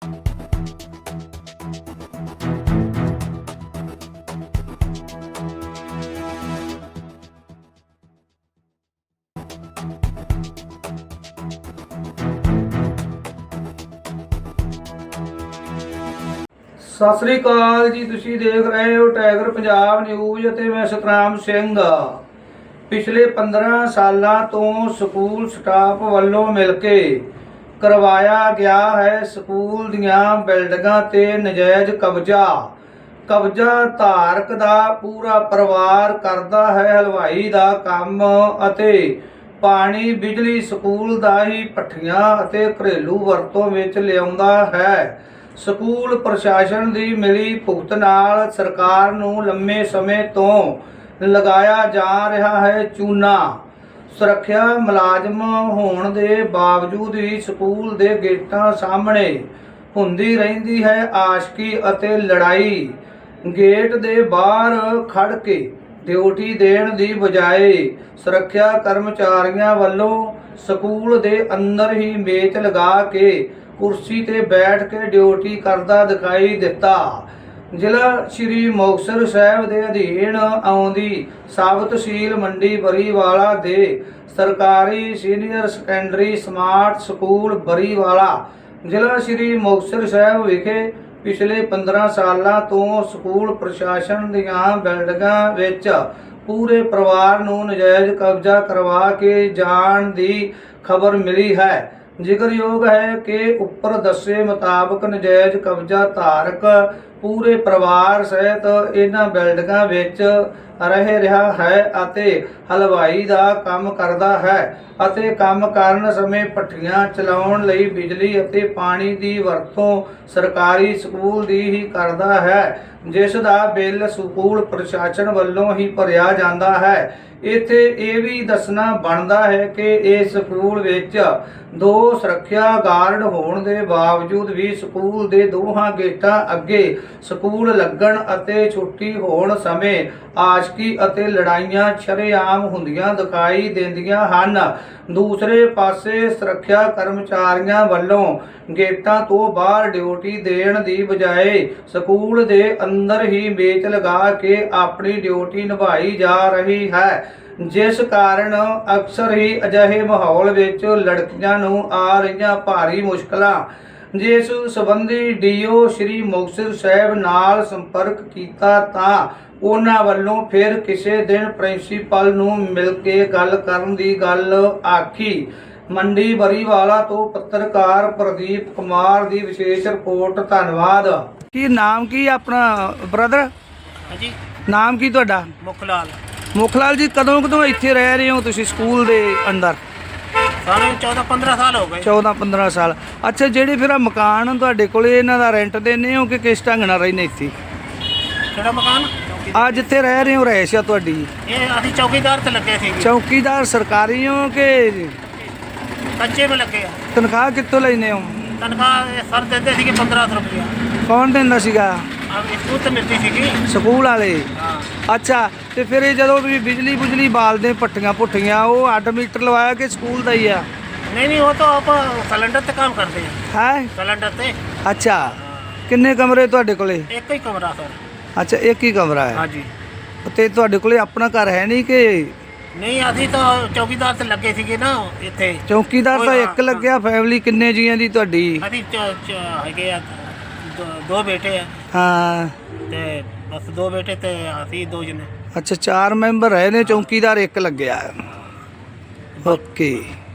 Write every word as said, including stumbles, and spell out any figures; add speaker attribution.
Speaker 1: सत श्री अकाल जी। तुसीं देख रहे हो टाइगर पंजाब न्यूज़ ਅਤੇ मैं सतराम ਸਿੰਘ। पिछले पंद्रह सालों तो स्कूल स्टाफ वालों मिल के करवाया गया है स्कूल दियां बिल्डिंगां ते नजायज़ कब्जा। कब्जा धारक दा पूरा परिवार करदा है हलवाई दा काम ਅਤੇ पानी बिजली स्कूल दा ही पट्ठियां ਅਤੇ घरेलू वरतों विच लिआउंदा है। ਸਕੂਲ ਪ੍ਰਸ਼ਾਸਨ ਦੀ ਮਿਲੀ ਭੁਗਤ ਨਾਲ ਸਰਕਾਰ ਨੂੰ ਲੰਮੇ ਸਮੇਂ ਤੋਂ ਲਗਾਇਆ ਜਾ ਰਿਹਾ ਹੈ ਚੂਨਾ। ਸੁਰੱਖਿਆ ਮੁਲਾਜ਼ਮ ਹੋਣ ਦੇ ਬਾਵਜੂਦ ਵੀ ਸਕੂਲ ਦੇ ਗੇਟਾਂ ਸਾਹਮਣੇ ਹੁੰਦੀ ਰਹਿੰਦੀ ਹੈ ਆਸ਼ਕੀ ਅਤੇ ਲੜਾਈ। ਗੇਟ ਦੇ ਬਾਹਰ ਖੜ ਕੇ ਡਿਊਟੀ ਦੇਣ ਦੀ ਬਜਾਏ ਸੁਰੱਖਿਆ ਕਰਮਚਾਰੀਆਂ ਵੱਲੋਂ ਸਕੂਲ ਦੇ ਅੰਦਰ ਹੀ ਮੇਜ਼ ਲਗਾ ਕੇ ਕੁਰਸੀ ਤੇ ਬੈਠ ਕੇ ਡਿਊਟੀ ਕਰਦਾ ਦਿਖਾਈ ਦਿੱਤਾ। ਜ਼ਿਲ੍ਹਾ ਸ਼੍ਰੀ ਮੁਕਤਸਰ ਸਾਹਿਬ ਦੇ ਅਧੀਨ ਆਉਂਦੀ ਸਬ ਤਹਿਸੀਲ ਮੰਡੀ ਬਰੀਵਾਲਾ ਦੇ ਸਰਕਾਰੀ senior secondary smart school Bariwala ਜ਼ਿਲ੍ਹਾ ਸ਼੍ਰੀ ਮੁਕਤਸਰ ਸਾਹਿਬ ਵਿਖੇ ਪਿਛਲੇ ਪੰਦਰਾਂ ਸਾਲਾਂ ਤੋਂ ਸਕੂਲ ਪ੍ਰਸ਼ਾਸਨ ਦੀਆਂ ਬਿਲਡਿੰਗਾਂ ਵਿੱਚ ਪੂਰੇ ਪਰਿਵਾਰ ਨੂੰ ਨਜਾਇਜ਼ ਕਬਜ਼ਾ ਕਰਵਾ ਕੇ ਜਾਣ ਦੀ ਖਬਰ ਮਿਲੀ ਹੈ। ਜ਼ਿਕਰਯੋਗ ਹੈ ਕਿ ਉੱਪਰ ਦੱਸੇ ਮੁਤਾਬਕ ਨਜਾਇਜ਼ ਕਬਜ਼ਾ ਧਾਰਕ ਪੂਰੇ ਪਰਿਵਾਰ ਸਹਿਤ ਇਹਨਾਂ ਬਿਲਡਿੰਗਾਂ ਵਿੱਚ ਰਹਿ ਰਿਹਾ ਹੈ ਅਤੇ ਹਲਵਾਈ ਦਾ ਕੰਮ ਕਰਦਾ ਹੈ ਅਤੇ ਕੰਮ ਕਰਨ ਸਮੇਂ ਭੱਠੀਆਂ ਚਲਾਉਣ ਲਈ ਬਿਜਲੀ ਅਤੇ ਪਾਣੀ ਦੀ ਵਰਤੋਂ ਸਰਕਾਰੀ ਸਕੂਲ ਦੀ ਹੀ ਕਰਦਾ ਹੈ, ਜਿਸ ਦਾ ਬਿੱਲ ਸਕੂਲ ਪ੍ਰਸ਼ਾਸਨ ਵੱਲੋਂ ਹੀ ਭਰਿਆ ਜਾਂਦਾ ਹੈ। ਇੱਥੇ ਇਹ ਵੀ ਦੱਸਣਾ ਬਣਦਾ ਹੈ ਕਿ ਇਸ ਸਕੂਲ ਵਿੱਚ ਦੋ ਸੁਰੱਖਿਆ ਗਾਰਡ ਹੋਣ ਦੇ ਬਾਵਜੂਦ ਵੀ ਸਕੂਲ ਦੇ ਦੋਹਾਂ ਗੇਟਾਂ ਅੱਗੇ ਸਕੂਲ ਲੱਗਣ ਅਤੇ ਛੁੱਟੀ ਹੋਣ ਸਮੇਂ ਆਸ਼ਕੀ ਅਤੇ ਲੜਾਈਆਂ ਸ਼ਰੇਆਮ ਹੁੰਦੀਆਂ ਦਿਖਾਈ ਦਿੰਦੀਆਂ ਹਨ। ਦੂਸਰੇ ਪਾਸੇ ਸੁਰੱਖਿਆ ਕਰਮਚਾਰੀਆਂ ਵੱਲੋਂ ਗੇਟਾਂ ਤੋਂ ਬਾਹਰ ਡਿਊਟੀ ਦੇਣ ਦੀ ਬਜਾਏ ਸਕੂਲ ਦੇ ਅੰਦਰ ਹੀ ਮੇਜ਼ ਲਗਾ ਕੇ ਆਪਣੀ ਡਿਊਟੀ ਨਿਭਾਈ ਜਾ ਰਹੀ ਹੈ, ਜਿਸ ਕਾਰਨ ਅਕਸਰ ਹੀ ਅਜਿਹੇ ਮਾਹੌਲ ਵਿੱਚ ਲੜਕੀਆਂ ਨੂੰ ਆ ਰਹੀਆਂ ਭਾਰੀ ਮੁਸ਼ਕਲਾਂ। ਜਿਸ ਸੰਬੰਧੀ ਡੀਓ ਸ਼੍ਰੀ ਮੁਕਤਸਰ ਸਾਹਿਬ ਨਾਲ ਸੰਪਰਕ ਕੀਤਾ ਤਾਂ ਉਹਨਾਂ ਵੱਲੋਂ ਫਿਰ ਕਿਸੇ ਦਿਨ ਪ੍ਰਿੰਸੀਪਲ ਨੂੰ ਮਿਲ ਕੇ ਗੱਲ ਕਰਨ ਦੀ ਗੱਲ ਆਖੀ। ਮੰਡੀ ਬਰੀਵਾਲਾ ਤੋਂ ਪੱਤਰਕਾਰ ਪ੍ਰਦੀਪ ਕੁਮਾਰ ਦੀ ਵਿਸ਼ੇਸ਼ ਰਿਪੋਰਟ। ਧੰਨਵਾਦ। ਕੀ ਨਾਮ ਕੀ ਆਪਣਾ ਬ੍ਰਦਰ?
Speaker 2: ਹਾਂਜੀ,
Speaker 1: ਨਾਮ ਕੀ ਤੁਹਾਡਾ?
Speaker 2: ਮੁਖਲਾਲ।
Speaker 1: ਮੁਖਲਾਲ ਜੀ, ਕਦੋਂ ਕਦੋਂ ਇੱਥੇ ਰਹਿ ਰਹੇ ਹੋ ਤੁਸੀਂ ਸਕੂਲ ਦੇ ਅੰਦਰ?
Speaker 2: ਸਾਨੂੰ ਚੌਦਾਂ ਪੰਦਰਾਂ ਸਾਲ ਹੋ ਗਏ।
Speaker 1: ਚੌਦਾਂ ਪੰਦਰਾਂ ਸਾਲ। ਅੱਛਾ, ਜਿਹੜੇ ਫਿਰ ਮਕਾਨ ਤੁਹਾਡੇ ਕੋਲੇ ਇਹਨਾਂ ਦਾ ਰੈਂਟ ਦਿੰਦੇ ਹੋ ਕਿ ਕਿਸ ਢੰਗ ਨਾਲ ਰਹਿੰਦੇ ਇੱਥੇ?
Speaker 2: ਕਿਹੜਾ ਮਕਾਨ?
Speaker 1: ਆ ਜਿੱਥੇ ਰਹਿ ਰਹੇ ਹੋ ਰਹਿਸ਼ ਆ ਤੁਹਾਡੀ?
Speaker 2: ਇਹ ਅਸੀਂ ਚੌਕੀਦਾਰ ਤੇ ਲੱਗੇ ਸੀ।
Speaker 1: ਚੌਕੀਦਾਰ ਸਰਕਾਰੀ ਹੋ ਕਿ
Speaker 2: ਕੱਚੇ ਵਿੱਚ ਲੱਗੇ ਆ।
Speaker 1: ਤਨਖਾਹ ਕਿੱਥੋਂ ਲੈਂਦੇ ਹੋ?
Speaker 2: ਤਨਖਾਹ ਸਰ ਦਿੰਦੇ ਸੀਗੇ ਪੰਦਰਾਂ ਸੌ ਰੁਪਇਆ।
Speaker 1: ਕੌਣ ਦਿੰਦਾ ਸੀਗਾ?
Speaker 2: ਸਕੂਲ ਤੇ ਮਿਲਦੀ ਸੀਗੀ।
Speaker 1: ਸਕੂਲ ਵਾਲੇ?
Speaker 2: ਹਾਂ।
Speaker 1: ਅੱਛਾ, ਤੇ ਫਿਰ ਇਹ ਜਦੋਂ ਵੀ ਬਿਜਲੀ ਬੁਜਲੀ ਬਾਲਦੇ ਭੱਠੀਆਂ ਭੁੱਠੀਆਂ ਉਹ ਅੱਡ ਮੀਟਰ ਲਵਾਇਆ ਕਿ ਸਕੂਲ ਦਾ ਹੀ ਆ?
Speaker 2: ਨਹੀਂ ਨਹੀਂ, ਉਹ ਤਾਂ ਆਪਾਂ ਸਿਲੰਡਰ ਤੇ ਕੰਮ ਕਰਦੇ ਆ।
Speaker 1: ਹੈ
Speaker 2: ਸਿਲੰਡਰ ਤੇ।
Speaker 1: ਅੱਛਾ, ਕਿੰਨੇ ਕਮਰੇ ਤੁਹਾਡੇ ਕੋਲੇ?
Speaker 2: ਇੱਕ ਹੀ ਕਮਰਾ ਸਰ।
Speaker 1: ਅੱਛਾ, ਇੱਕ ਹੀ ਕਮਰਾ ਹੈ।
Speaker 2: ਹਾਂਜੀ।
Speaker 1: ਤੇ ਤੁਹਾਡੇ ਕੋਲੇ ਆਪਣਾ ਘਰ ਹੈ ਨਹੀਂ ਕਿ?
Speaker 2: ਨਹੀਂ, ਅਸੀਂ ਤਾਂ ਚੌਕੀਦਾਰ ਤੇ ਲੱਗੇ ਸੀਗੇ ਨਾ ਇੱਥੇ।
Speaker 1: ਚੌਕੀਦਾਰ ਤਾਂ ਇੱਕ ਲੱਗਿਆ। ਫੈਮਿਲੀ ਕਿੰਨੇ ਜੀਆਂ ਦੀ ਤੁਹਾਡੀ?
Speaker 2: ਅਸੀਂ ਹੈਗੇ ਆ ਦੋ ਬੇਟੇ ਆ।
Speaker 1: ਹਾਂ,
Speaker 2: ਤੇ ਬਸ ਦੋ ਬੇਟੇ ਤੇ ਅਸੀਂ ਦੋ ਜਣੇ।
Speaker 1: ਅੱਛਾ, ਚਾਰ ਮੈਂਬਰ ਰਹੇ ਨੇ, ਚੌਕੀਦਾਰ ਇੱਕ ਲੱਗਿਆ। ਓਕੇ।